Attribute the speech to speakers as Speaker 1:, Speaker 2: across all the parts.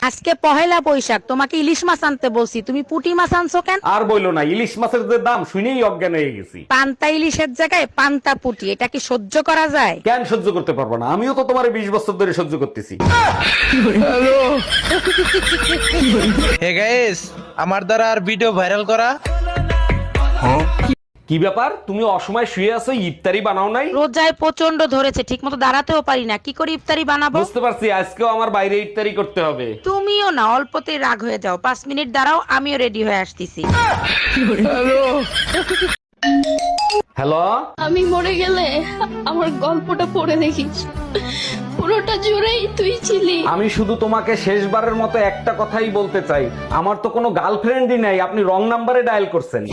Speaker 1: আজকে পহেলা বৈশাখ, তোমাকে ইলিশ মাছ আনতে বলছি, তুমি পুঁটি মাছ আনছো কেন?
Speaker 2: আর বইলো না, ইলিশ মাছের যে দাম শুনেই অজ্ঞান হয়ে গেছি।
Speaker 1: পান্তা ইলিশের জায়গায় পান্তা পুঁটি, এটা কি সহ্য করা যায়?
Speaker 2: কেন সহ্য করতে পারবো না? আমিও তো তোমার 20 বছর ধরে সহ্য করতেছি।
Speaker 3: হে গাইস, আমার দ্বারা আর ভিডিও ভাইরাল করা।
Speaker 2: কি ব্যাপার, তুমি অসময় শুয়ে আছো, ইফতারি বানাও নাই?
Speaker 1: রোজায় প্রচন্ড ধরেছে, ঠিক মতো দাঁড়াতেও পারি না, কি করে ইফতারি বানাবো?
Speaker 2: বুঝতে পারছি, আজকেও আমার বাইরে ইফতারি করতে হবে।
Speaker 1: তুমিও না অল্পতেই রাগ হয়ে যাও, 5 মিনিট দাঁড়াও, আমিও রেডি হয়ে আসতেছি।
Speaker 2: হ্যালো,
Speaker 4: আমি মরে গেলে আমার গল্পটা পড়ে দেখিস, পুরোটা জুড়েই তুই ছিলি।
Speaker 2: আমি শুধু তোমাকে শেষবারের মতো একটা কথাই বলতে চাই, আমার তো কোনো গার্লফ্রেন্ডই নাই, আপনি রং নাম্বারে ডায়াল করছেন।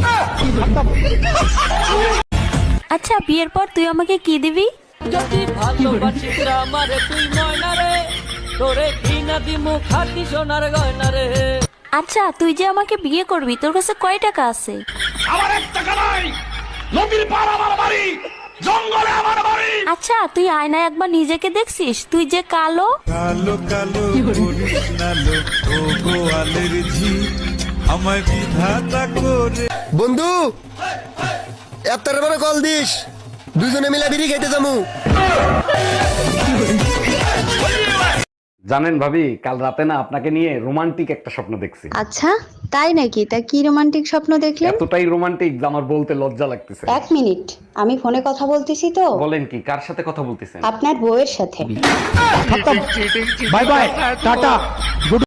Speaker 5: আচ্ছা, বিয়ের পর তুই আমাকে কি দিবি?
Speaker 6: যদি ভালোবাসিস আমারে তুই ময়না রে, তোরে কিনা দিমু খাটি সোনার গয়না রে।
Speaker 5: আচ্ছা, তুই যে আমাকে বিয়ে করবি, তোর কাছে কয় টাকা আছে?
Speaker 2: আমার 1 টাকা নাই, নদীর পার আমার বাড়ি, জঙ্গলে আমার বাড়ি।
Speaker 5: আচ্ছা, তুই আয়নায় একবার নিজেকে দেখছিস? তুই যে কালো।
Speaker 7: কালো কালো করিস না লো, ও গোয়ালের ঝি আমায় বিধাতা করে।
Speaker 8: বন্ধু, এত বড় কল দিস, দুজনে মিলে বিড়ি খেতে যাবো।
Speaker 2: জানেন ভাবি, কাল রাতে না আপনাকে নিয়ে রোমান্টিক একটা স্বপ্ন দেখছি।
Speaker 9: আচ্ছা, তাই নাকি? তা কি রোমান্টিক স্বপ্ন দেখলেন?
Speaker 2: এতটাই রোমান্টিক যে আমার বলতে লজ্জা লাগতেছে।
Speaker 9: 1 মিনিট, আমি ফোনে কথা বলতেছি তো।
Speaker 2: বলেন কি, কার সাথে কথা বলতেছেন?
Speaker 9: আপনার বউয়ের সাথে।
Speaker 8: Bye bye, tata.